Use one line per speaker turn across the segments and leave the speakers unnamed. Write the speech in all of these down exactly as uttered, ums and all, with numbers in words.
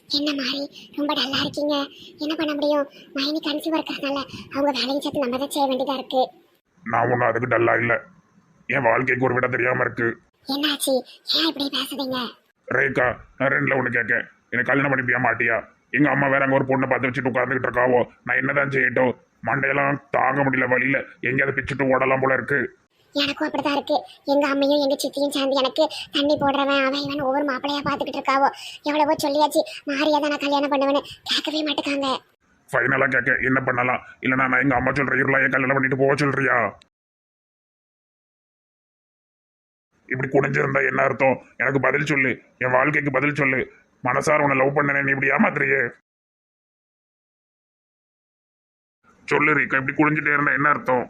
என்ன மாதிரி ரொம்ப டல்லா இருக்கீங்க? என்ன பண்ண முடியும்? மைனி கன்சீவ் இருக்கிறதுனால அவங்க வேலையும் சேர்த்து நம்ம தான் செய்ய வேண்டியதா இருக்கு.
நான் ஒன்றும் அதுக்கு டல்லா இல்லை. என் வாழ்க்கைக்கு ஒரு விட தெரியாம இருக்கு.
என்னாச்சு? ஏன் இப்படி பேசுறீங்க?
ரேகா, நான் ரெண்டுல ஒன்று கேட்க, எனக்கு கல்யாணம் பண்ணிப்பியா மாட்டியா? எங்க அம்மா வேற அங்கே ஒரு பொண்ணை பார்த்து வச்சுட்டு உட்காந்துக்கிட்டு இருக்காவோ, நான் என்னதான் செய்யட்டும்? மண்டையெல்லாம் தாங்க முடியல, வழியில எங்கேயாவது பிச்சுட்டு ஓடலாம் போல இருக்கு.
எனக்கும் அப்படிதான் இருக்கு. எங்க அம்மையும் எங்க சித்தியும் சேர்ந்து எனக்கு தண்ணி போடுறவன் அவன் இவன் ஒவ்வொரு மாப்பிள்ளையா பாத்துக்கிட்டு இருக்காவோ. எவ்வளவோ சொல்லியாச்சு, மாறியாதான் நான் கல்யாணம் பண்ணுவேன்னு கேட்கவே மாட்டேக்காங்க.
ஃபைனலா கேட்க என்ன பண்ணலாம்? இல்லைனா நான் எங்க அம்மா சொல்ற இருளா என் கல்யாணம் பண்ணிட்டு போக சொல்றியா? இப்படி குடிஞ்சிருந்தா என்ன அர்த்தம்? எனக்கு பதில் சொல்லு, என் வாழ்க்கைக்கு பதில் சொல்லு. மனசார உன்னை லவ் பண்ண நீ இப்படி ஏமாத்துறியே சொல்லு ரீக்கா. இப்படி குடிஞ்சிட்டே இருந்தா என்ன அர்த்தம்?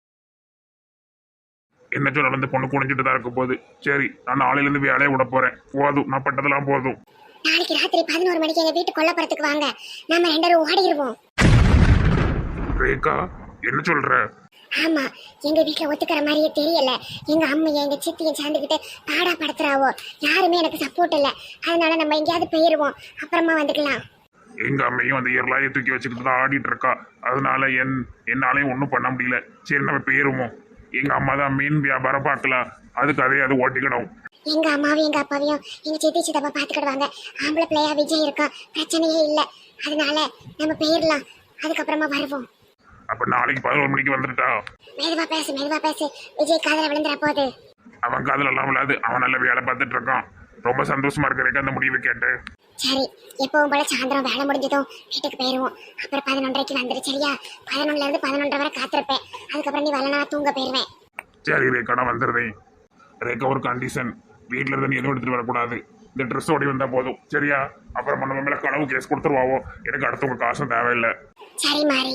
என்ன சொல்ல அந்த பொண்ணு குடிஞ்சிட்டு தான் இருக்க போகுது. சரி, நான் நாளையிலேருந்து வேலையை விட போறேன். போதும், நான் பட்டதெல்லாம் போதும்.
நாளைக்கு ராத்திரி பதினோரு மணிக்கு எங்க வீட்டு கொல்லப்புறத்துக்கு வாங்க, நாம ரெண்டு பேரும் ஓடிடுவோம்.
ரேகா, என்ன சொல்ற?
ஆமா, எங்க வீட்டுல ஒத்துக்கிற மாதிரியே தெரியல. எங்க அம்மையை எங்க சித்தியை சேர்ந்துக்கிட்டு பாடா படுத்துறாவோ. யாருமே எனக்கு சப்போர்ட் இல்ல. அதனால நம்ம எங்கேயாவது போயிருவோம், அப்புறமா வந்துக்கலாம்.
எங்க அம்மையும் அந்த இயர்லாயை தூக்கி வச்சுக்கிட்டு தான் ஆடிட்டு இருக்கா. அதனால என் என்னாலையும் ஒன்றும் பண்ண முடியல. சரி, நம்ம போயிருவோம். எங்க அம்மா தான் மீன் வியாபாரம் பார்க்கலாம், அதுக்கு அதே அது ஓட்டிக்கணும்.
எங்க அம்மாவையும் எங்க அப்பாவையும் எங்க சித்தி சித்தப்பா பாத்துக்கிடுவாங்க. ஆம்பளை பிள்ளையா விஜய் இருக்கா, பிரச்சனையே இல்லை. அதனால நம்ம போயிடலாம், அதுக்கப்புறமா வருவோம்.
அப்ப நாளைக்கு பதினோரு மணிக்கு வந்துட்டா?
மெதுவா பேசு, மெதுவா பேசு. விஜய் காதல விழுந்துற போது.
அவன் காதல எல்லாம் விழாது, அவன் நல்ல வேலை பார்த்துட்டு இருக்கான். ரொம்ப சந்தோஷமா இருக்கிறதுக்கு அந்த முடிவை கேட்டு.
சரி, எப்பவும் போல சாயந்தரம் வேலை முடிஞ்சதும் வீட்டுக்கு போயிருவோம். அப்புறம் பதினொன்றரைக்கு வந்துரு, சரியா? பதினொன்னுல இருந்து பதினொன்றரை வரை காத்திருப்பேன். அதுக்கப்புறம் நீ வரலனா தூங்க போயிருவேன்.
சரி ரேகா, நான் வந்துடுறேன். ரேகா, ஒரு கண்டிஷன், வீட்டில் இருந்து நீ எதுவும் எடுத்துட்டு வரக்கூடாது. இந்த ட்ரெஸ் ஓடி வந்தா போதும், சரியா? அப்புறம் நம்ம மேல களவு கேஸ் கொடுத்துருவாவோ. எனக்கு அடுத்தவங்க காசும் தேவையில்லை.
சரி மாறி.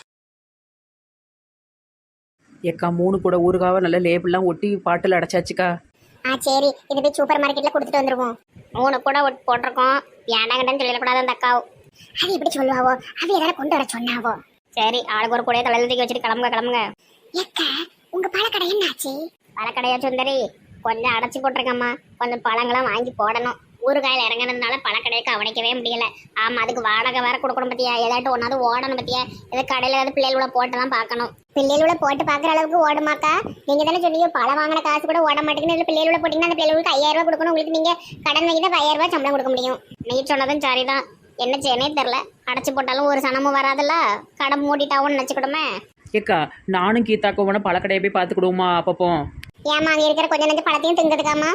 ஏக்கா, மூணு கூட ஊறுகாவை நல்ல லேபிள்லாம் ஒட்டி பாட்டில் அடைச்சாச்சுக்கா.
ஆ சரி, இது போய் சூப்பர் மார்க்கெட்ல கொடுத்துட்டு வந்துருவோம். மூணு கூட ஒட்டு போட்டிருக்கோம், ஏண்டாங்கன்னு சொல்லிடக்கூடாது அந்த அக்காவும். அது எப்படி சொல்லுவாவோ? அது எதாவது கொண்டு வர சொன்னாவோ? சரி, ஆளுக்கு ஒரு கூடையை தலையில தூக்கி வச்சுட்டு கிளம்புங்க கிளம்புங்க. ஏக்க, உங்க பழக்கடை என்னாச்சு? பழக்கடையா சுந்தரி? கொஞ்சம் அடைச்சி போட்டிருக்கம்மா, கொஞ்சம் பழங்களாம் வாங்கி போடணும். ஊறுகாயில் இறங்கினதுனால பழக்கடையை கவனிக்கவே முடியல. ஆமா, அதுக்கு வாடகை வேற கொடுக்கணும் பத்தியா? ஏதாட்டும் ஒன்னாவது ஓடணும் பத்தியா? ஏதாவது கடையில ஏதாவது பிள்ளைகளோட போட்டு தான் பார்க்கணும். பிள்ளைகளோட போட்டு பாக்குற அளவுக்கு ஓடுமாக்கா? நீங்க தானே சொன்னீங்க பழம் வாங்கின காசு கூட ஓட மாட்டேங்குன்னு. பிள்ளைகளோட போட்டீங்கன்னா அந்த பிள்ளைகளுக்கு ஐயாயிரம் ரூபாய் கொடுக்கணும். உங்களுக்கு நீங்க கடன் வாங்கி தான் ஐயாயிரம் ரூபாய் சம்பளம் கொடுக்க முடியும். நீ சொன்னதும் சரிதான், என்ன செய்யனே தெரில. அடைச்சு போட்டாலும் ஒரு சனமும் வராதுல்ல, கடை மூடிட்டாவும் நினைச்சுக்கிடுமே.
ஏக்கா, நானும் கீதாக்கோ வேணா பழக்கடையை போய் பார்த்துக்கிடுவோமா அப்பப்போ?
ஏமா, அங்க இருக்கிற கொஞ்ச நஞ்சு பழத்தையும் திங்கிறதுக்காமா?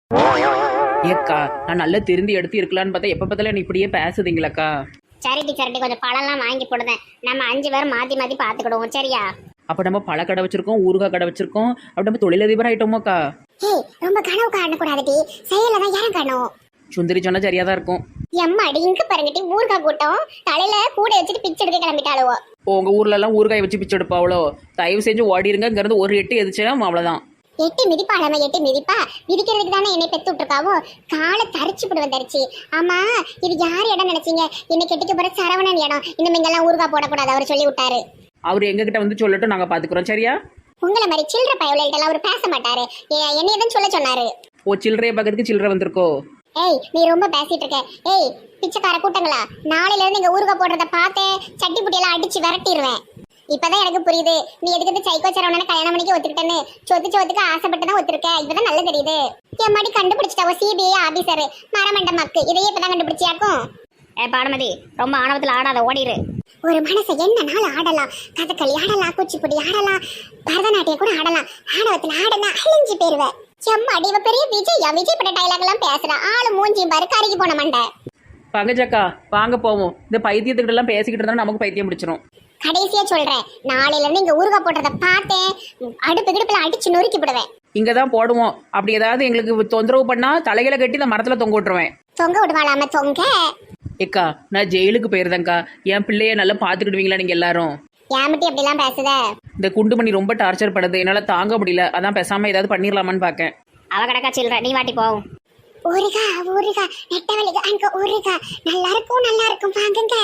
ஏக்கா, நான் நல்லா திருந்தி எடுத்து இருக்கலான்னு பார்த்தா எப்போ பார்த்தாலும் நீ இப்படியே பேசுதீங்களாக்கா?
சரி டீச்சர்ட்டி, கொஞ்சம் பழம்லாம் வாங்கி போடுதேன். நம்ம அஞ்சு பேரும் மாற்றி மாற்றி பார்த்துக்கிடுவோம், சரியா?
அப்போ நம்ம பழக்கடை வச்சிருக்கோம், ஊறுகாய் கடை வச்சிருக்கோம், அப்படி நம்ம தொழிலதிபர் ஆயிட்டோமோக்கா.
ஏய், ரொம்ப கனவு காணக்கூடாதுடி, செயல தான் யாரும் காணும்.
சுந்தரி சொன்னா சரியா தான் இருக்கும்.
எம்மாடி, இங்க பாருங்கட்டி, ஊறுகாய் கூட்டம் தலையில கூட வச்சுட்டு பிச்சை எடுக்க கிளம்பிட்டாளுவோ.
உங்க ஊர்ல எல்லாம் ஊறுகாய் வச்சு பிச்சை எடுப்பாவளோ? தயவு செஞ்சு ஓடிருங்க, இங்க இருந்து ஒரு எட்டு எதிர்ச்சா அவ்வளவுதான்.
எட்டு மிதிப்பா நம்ம எட்டு மிதிப்பா மிதிக்கிறதுக்கு தானே என்னை பெத்து விட்டுருக்காவோ. காலை தரிச்சு போடுவேன் தரிச்சு. ஆமா, இது யார் இடம் நினைச்சீங்க? என்னை கெட்டிக்க போற சரவணன் இடம். இன்னும் இங்கெல்லாம் ஊறுகாய் போடக்கூடாது, அவர் சொல்லி விட்டாரு.
அவர் எங்ககிட்ட வந்து சொல்லட்டும், நாங்க பாத்துக்கிறோம், சரியா?
உங்களை மாதிரி சில்லற பயவுலாம் அவர் பேச மாட்டாரு. என்னைய தான் சொல்ல சொன்னாரு.
ஓ, சில்லறைய பக்கத்துக்கு சில்லறை வந்திருக்கோ?
ஏய், நீ ரொம்ப பேசிட்டு இருக்க. ஏய், பிச்சைக்கார கூட்டங்களா, நாளையில இருந்து இங்க ஊறுகாய் போடுறத பார்த்தேன் சட்டி புட்டியெல்லாம் அடிச்சு விரட்டிடுவேன். இப்பதான் எனக்கு புரியுது நீ எதுக்கு சைக்கோ சரவணனை கல்யாணம் பண்ணிக்க ஒத்துக்கிட்டேன்னு. சொத்து சொத்துக்கு ஆசைப்பட்டு தான் ஒத்துருக்க. இப்பதான் நல்லா தெரியுது. என் மாதிரி கண்டுபிடிச்சிட்டாவோ சிபிஐ ஆபீசர் மரமண்ட மக்கு. இதையே இப்பதான் கண்டுபிடிச்சியாக்கும். ஏ பானுமதி, ரொம்ப ஆணவத்துல ஆடாத, ஓடிடு. ஒரு மனசை என்ன நாள் ஆடலாம். கதகளி ஆடலாம், குச்சிப்புடி ஆடலாம், பரதநாட்டியம் கூட ஆடலாம். ஆணவத்துல ஆடனா அழிஞ்சு போயிருவேன். செம்மாடி, இவ பெரிய விஜயா. விஜய் பட்ட டைலாக் எல்லாம் பேசுறா. ஆளு மூஞ்சி பாரு, கருகி போன மண்டை.
பங்கஜக்கா, வாங்க போவோம். இந்த பைத்தியத்துக்கிட்ட எல்லாம் பேசிக்கிட்டு இருந்தா நமக்கு பைத்தியம் பிடிச்சிரும்.
கடைசியா சொல்றேன், நாளையில இருந்து இங்க ஊறுகாய் போடுறத பார்த்தேன் அடுப்பு கிடுப்புல அடிச்சு நொறுக்கி விடுவேன்.
இங்கதான் போடுவோம். அப்படி ஏதாவது எங்களுக்கு தொந்தரவு பண்ணா தலைகளை கட்டி இந்த மரத்துல தொங்க விட்டுருவேன்.
தொங்க விடுவாளாம தொங்க?
ஏக்கா, நான் ஜெயிலுக்கு போயிருந்தேங்க்கா. என் பிள்ளைய நல்லா பாத்துக்கிடுவீங்களா நீங்க எல்லாரும்?
ஏமிட்டி அப்படி எல்லாம் பேசுத?
இந்த குண்டுமணி ரொம்ப டார்ச்சர் பண்ணுது, என்னால தாங்க முடியல. அதான் பேசாம ஏதாவது பண்ணிடலாமான்னு பாக்கேன்.
அவ கடக்கா சில்ற, நீ வாட்டி போவோம். ஊறுகா ஊறுகா நெட்டவழிக்கு அங்க ஊறுகா நல்லா இருக்கும் நல்லா இருக்கும் வாங்குங்க.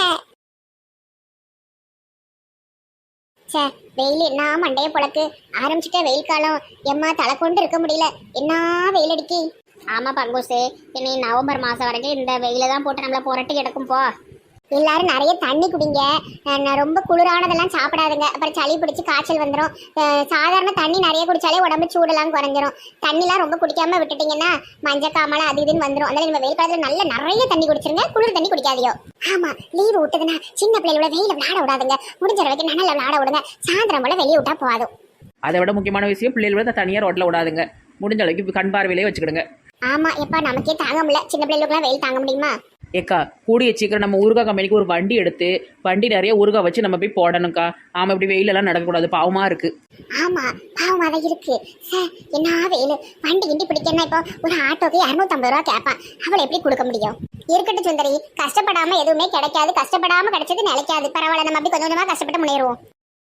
சே, வெயில் என்ன மண்டைய பொழக்கு ஆரம்பிச்சுட்டே. வெயில் காலம் எம்மா, தலை கொண்டு இருக்க முடியல. என்ன வெயில் அடிக்கி. ஆமா பங்குசு, இனி நவம்பர் மாசம் வரைக்கும் இந்த வெயில தான் போட்டு நம்மள புரட்டி கிடக்கும் போ. எல்லாரும் நிறைய தண்ணி குடிங்க. அஹ் ரொம்ப குளிரானதெல்லாம் சாப்பிடாதுங்க, அப்புறம் சளி பிடிச்சி காய்ச்சல் வந்துடும். சாதாரண தண்ணி நிறைய குடிச்சாலே உடம்பு சூடெல்லாம் குறைஞ்சிரும். தண்ணிலாம் ரொம்ப குடிக்காம விட்டுட்டீங்கன்னா மஞ்சக்காமலை அது இதுன்னு வந்துடும். அதனால நம்ம வெயில் காலத்துல நல்ல நிறைய தண்ணி குடிச்சிருங்க, குளிர் தண்ணி குடிக்காதியோ. ஆமா, லீவு விட்டதுன்னா சின்ன பிள்ளைகளோட வெயில விளையாட விடாதுங்க, முடிஞ்ச வரைக்கும் நல்லா விளையாட விடுங்க. சாயந்தரம் போல வெளியே விட்டா போதும்.
அதை விட முக்கியமான விஷயம், பிள்ளைகளோட தனியாக ரோட்டில் விடாதுங்க, முடிஞ்ச அளவுக்கு கண் பார்வையிலே வச்சுக்கிடுங்க.
ஆமா, எப்பா நமக்கே தாங்க முடியல, சின்ன பிள்ளைகளுக்குலாம் வெயில் தாங்க முடியுமா?
ஏக்கா கூடிய சீக்கிரம் நம்ம ஊறுகாய் கம்பெனிக்கு ஒரு வண்டி எடுத்து வண்டி நிறைய ஊறுகாய் வச்சு நம்ம போய் போடணும்க்கா. ஆமாம், இப்படி வெயிலெல்லாம் நடக்கக்கூடாது, பாவமாக இருக்கு.
ஆமா, பாவமா தான் இருக்கு. சார் என்ன வெயில், வண்டி கிண்டி பிடிக்கணும்னா இப்போ ஒரு ஆட்டோக்கு இரநூத்தம்பது ரூபா கேட்பான், அவளை எப்படி கொடுக்க முடியும்? இருக்கட்டும் சுந்தரி, கஷ்டப்படாம எதுவுமே கிடைக்காது, கஷ்டப்படாம கிடைச்சது நிலைக்காது. பரவாயில்ல, நம்ம அப்படி கொஞ்சம் கொஞ்சமா கஷ்டப்பட்டு முன்னேறுவோம்.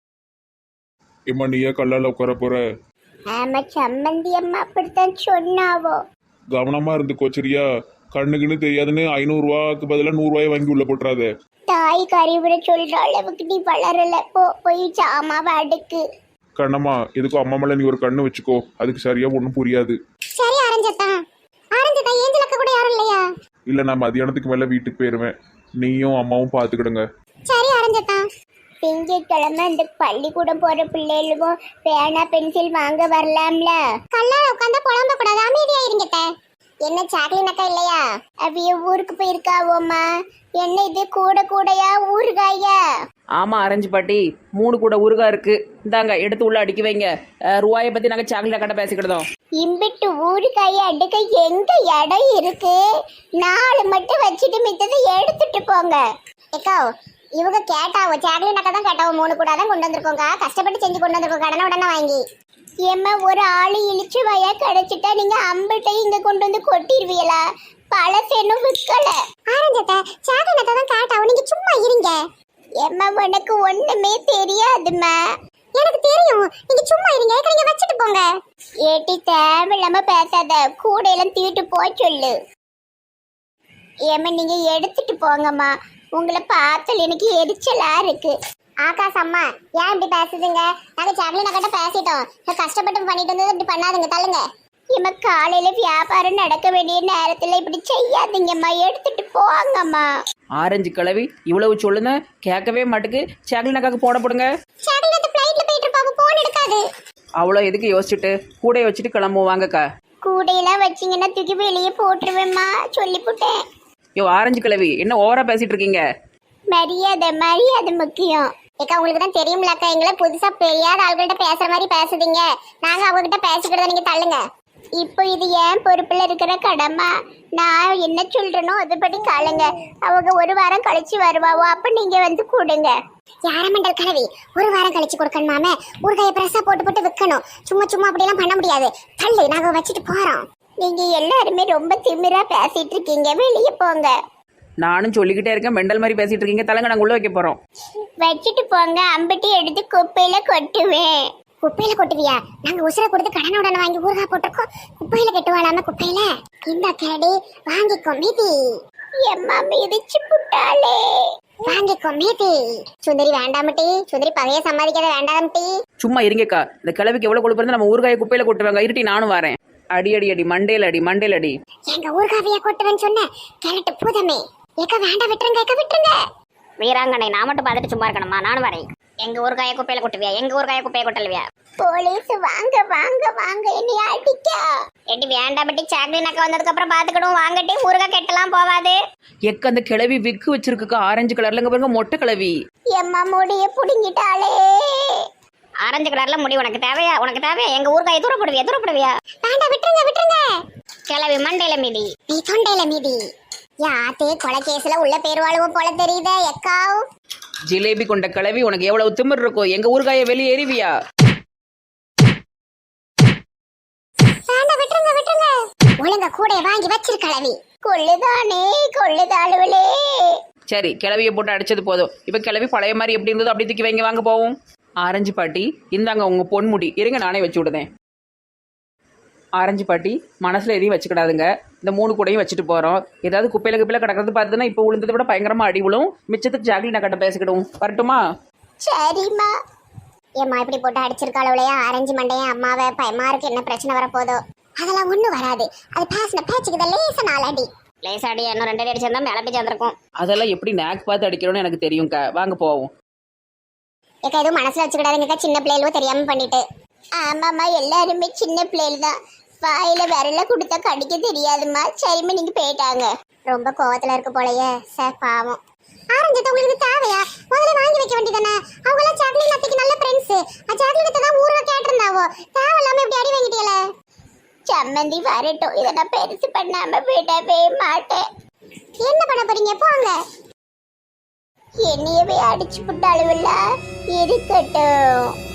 இம்மா நீயே கல்லால் உட்கார போற.
ஆமா, சம்மந்தி அம்மா அப்படித்தான் சொன்னாவோ.
கவனமா இருந்துக்கோ சரியா? கண்ணுக்குன்னு தெரியாதுன்னு ஐநூறுரூவாக்கு பதிலாக நூறுரூவாயை வாங்கி உள்ள போட்டுறாத.
தாய் கறிவுரை சொல்ற அளவுக்கு நீ வளரல, போ போய் சாமாவை அடுக்கு.
கண்ணம்மா, எதுக்கும் அம்மா மேலே நீ ஒரு கண்ணு வச்சுக்கோ, அதுக்கு சரியா ஒன்றும் புரியாது.
சரி அரஞ்சத்தான், அரஞ்சத்தான் ஏஞ்சலக்க கூட யாரும் இல்லையா?
இல்லை, நான் மதியானத்துக்கு மேலே வீட்டுக்கு போயிடுவேன், நீயும் அம்மாவும் பார்த்துக்கிடுங்க.
சரி அரஞ்சத்தான். திங்கட்கிழமை இந்த பள்ளிக்கூடம் போற பிள்ளைகளும் பேனா பென்சில் வாங்க வரலாம்ல. கல்லால உட்காந்தா புலம்ப கூடாது, அமைதியா இருங்கட்ட. என்ன சாக்லின் அக்கா இல்லையா? அவிய ஊருக்கு போயிருக்காவோம்மா. என்ன இது கூட கூடையா ஊறுகாயா?
ஆமாம் அரஞ்சு பாட்டி, மூணு கூட ஊறுகாய் இருக்கு, இந்தாங்க எடுத்து உள்ள அடிக்க வைங்க. அஹ், ரூபாயை பற்றி நாங்கள் சாக்லேட் கடை பேசிக்கிட்டோம்.
இம்பிட்டு ஊறுகாய அடுக்க எங்க இடம் இருக்கு? நாலு மட்டும் வச்சுட்டு மித்ததை எடுத்துட்டு போங்க. ஏக்கா இவங்க கேட்டாவோ, சாக்லேட் அக்கா தான் கேட்டாவோ, மூணு கூட தான் கொண்டு வந்திருக்கோங்க, கஷ்டப்பட்டு செஞ்சு கொண்டு வந்திருக்கோம், கடனை உடனே வாங்கி. ஏம்மா ஒரு ஆளு இழிச்சு வயா கிடைச்சிட்டா நீங்க அம்பிட்டையும் இங்க கொண்டு வந்து கொட்டிடுவீங்களா? பழசேனும் விற்கல. ஆரஞ்சத்தை சாக்லேட் தான் கேட்டாவோ, நீங்க சும்மா இருங்க. ஏம்மா உனக்கு ஒண்ணுமே தெரியாதுமா. எனக்கு தெரியும், நீங்க சும்மா இருங்க, நீங்க வச்சுட்டு போங்க. ஏட்டி தேவையில்லாம பேசாத, கூடையெல்லாம் தீட்டு போ சொல்லு. ஏம்மா நீங்க எடுத்துட்டு போங்கம்மா, உங்களை பார்த்தால் எனக்கு எரிச்சலா இருக்கு. ஆகாஷ் அம்மா ஏன் இப்படி பேசுதுங்க? நாங்க சாக்லேட் கிட்ட பேசிட்டோம், கஷ்டப்பட்டு பண்ணிட்டு வந்தது இப்படி பண்ணாதுங்க, தள்ளுங்க. இம்மா காலையில வியாபாரம் நடக்க வேண்டிய நேரத்துல இப்படி செய்யாதீங்கம்மா, எடுத்துட்டு போங்கம்மா.
ஆரஞ்சு கிளவி இவ்வளவு சொல்லுங்க, கேட்கவே மாட்டுக்கு. சாக்லேட் அக்காவுக்கு போட போடுங்க.
சாக்லேட் ஃப்ளைட்ல போயிட்டு இருப்பாங்க, போன் எடுக்காது.
அவ்வளோ எதுக்கு யோசிச்சுட்டு கூடையை வச்சுட்டு கிளம்புவோம் வாங்கக்கா.
கூடையெல்லாம் வச்சிங்கன்னா தூக்கி வெளியே போட்டுருவேம்மா, சொல்லிவிட்டேன்.
யோ ஆரஞ்சு கிளவி, என்ன ஓவரா பேசிட்டு இருக்கீங்க?
மரியாதை மரியாதை முக்கியம். ஏக்கா உங்களுக்கு தான் தெரியும்லக்கா, எங்களை புதுசா தெரியாத ஆள்கிட்ட பேசுற மாதிரி பேசுதீங்க, நாங்க அவங்க கிட்ட பேசிக்கிறத நீங்க தள்ளுங்க. இப்போ இது ஏன் பொறுப்புல இருக்கிற கடமை, நான் என்ன சொல்றேனோ அதுபடி காலுங்க. அவங்க ஒரு வாரம் கழிச்சு வருவாவோ, அப்ப நீங்க வந்து கூடுங்க. யாரமண்டல் கலவி ஒரு வாரம் கழிச்சு கொடுக்கணுமாமே, ஒரு கையை பிரசா போட்டு போட்டு விற்கணும், சும்மா சும்மா அப்படியெல்லாம் பண்ண முடியாது. தள்ளு, நாங்க வச்சுட்டு போறோம். நீங்க எல்லாருமே ரொம்ப திமிரா பேசிட்டு இருக்கீங்க, வெளியே போங்க.
நானும் சொல்லிக்கிட்டே இருக்கேன், மெண்டல் மாதிரி பேசிட்டு இருக்கீங்க, தலைங்க நாங்கள் உள்ள வைக்க போறோம்.
வச்சுட்டு போங்க, அம்பட்டி எடுத்து குப்பையில கொட்டுவேன். குப்பையில கொட்டுவியா? நாங்க உசுரை கொடுத்து கடனை உடனே வாங்கி ஊறுகா போட்டிருக்கோம், குப்பையில கட்டுவாளாம குப்பையில. இந்த கேடி வாங்கிக்கோ மீதி. எம்மா மிதிச்சு புட்டாளே, வாங்கிக்கோ மீதி. சுந்தரி வேண்டாமட்டி, சுந்தரி பகைய சம்பாதிக்காத வேண்டாமட்டி.
சும்மா இருங்கக்கா, இந்த கிளவிக்கு எவ்வளவு கொழுப்பு இருந்தா நம்ம ஊறுகாயை குப்பையில கொட்டுவாங்க. இருட்டி நானும் வரேன். அடி அடி அடி மண்டேல அடி மண்டேல அடி.
எங்க ஊறுகாவைய கொட்டுவேன்னு சொன்ன கேரட்டு பூதமே. ஏக்க வேண்டாம், விட்டுருங்க ஏக்க விட்டுருங்க. வீராங்கனை நான் மட்டும் பார்த்துட்டு சும்மா இருக்கணுமா? நானும் வரேன். எங்க ஊறுகாய குப்பையில கொட்டுவியா? எங்க ஊறுகாய குப்பையை கொட்டலுவியா? போலீஸ் வாங்க வாங்க வாங்க, என்னை அடிக்க. எட்டி வேண்டாம் பட்டி, சாக்லேட் அக்கா வந்ததுக்கு அப்புறம் பாத்துக்கிடும், வாங்கட்டி ஊறுகாய் கெட்டலாம் போவாது.
எக்க அந்த கிளவி விக்கு வச்சிருக்குக்கா, ஆரஞ்சு கலர்லங்க பாருங்க, மொட்டை கிளவி.
எம்மா முடிய புடுங்கிட்டாளே. ஆரஞ்சு கலர்ல முடி உனக்கு தேவையா? உனக்கு தேவையா? எங்க ஊறுகாயை தூரப்படுவியா? தூரப்படுவியா? வேண்டாம், விட்டுருங்க விட்டுருங்க. கிளவி மண்டையில மீதி, நீ தொண்டையில மீதி. யாத்தே கொலை கேஸ்ல உள்ள பேருவாளுவும் போல தெரியுதே எக்காவ்.
ஜிலேபி கொண்ட கிளவி, உனக்கு எவ்வளவு திமிர் இருக்கும்? எங்க ஊறுகாயை வெளியே எறிவியா?
வேண்டாம், விட்டுருங்க விட்டுருங்க. ஒழுங்க கூட வாங்கி வச்சிருக்கலவி. கொள்ளுதானே கொள்ளுதாளுவலே.
சரி, கிளவியை போட்டு அடிச்சது போதும். இப்ப கிளவி பழைய மாதிரி எப்படி இருந்ததோ அப்படி தூக்கி வைங்க, வாங்க போவோம். ஆரஞ்சு பாட்டி இந்தாங்க உங்க பொன்முடி, இருங்க நானே வச்சு விடுதேன். ஆரஞ்சு பாட்டி மனசுல எதையும் வச்சுக்கிடாதுங்க, இந்த மூணு கூடையும் வச்சுட்டு போறோம். ஏதாவது குப்பையில குப்பையில கிடக்கிறது பார்த்துன்னா இப்போ விழுந்ததை விட பயங்கரமா அடி விழும். மிச்சத்துக்கு ஜாக்லி நான் கட்ட பேசிக்கிடுவோம். வரட்டுமா?
சரிம்மா. ஏம்மா இப்படி போட்டு அடிச்சிருக்காளவுலையா ஆரஞ்சு மண்டையா? அம்மாவை பயமா இருக்கு, என்ன பிரச்சனை வரப்போதோ. அதெல்லாம் ஒண்ணும் வராது. அது பேசின பேச்சுக்கு தான் லேசா நாலடி லேசாடி இன்னும் ரெண்டு அடி அடிச்சிருந்தா மேல போய் சேர்ந்திருக்கும்.
அதெல்லாம் எப்படி நேக் பார்த்து அடிக்கணும்னு எனக்கு தெரியும்க்கா. வாங்க போவோம்.
ஏக்கா எதுவும் மனசுல வச்சுக்கிடாதுங்கக்கா, சின்ன பிள்ளைகளும் தெரியாம பண்ணிட்டு. ஆமாம்மா, எல்லாருமே சின்ன பிள்ளைகள் தான். வாயில விரல கொடுத்தா கடிக்க தெரியாதுமா. சரிம்மா, நீங்க போயிட்டாங்க. ரொம்ப கோவத்துல இருக்கு போலயே. சார் பாவம். ஆரஞ்சத்தை உங்களுக்கு தேவையா? முதல்ல வாங்கி வைக்க வேண்டியதானே? அவங்க எல்லாம் சாக்லேட் அத்தைக்கு நல்ல ஃப்ரெண்ட்ஸ். சாக்லேட் தான் ஊர்ல கேட்டிருந்தாவோ. தேவையில்லாம இப்படி அடி வாங்கிட்டீங்களே. சம்மந்தி வரட்டும், இதை நான் பெருசு பண்ணாம விடவே மாட்டேன். என்ன பண்ண போறீங்க? போங்க. என்னையவே அடிச்சு விட்டாலும் இருக்கட்டும்.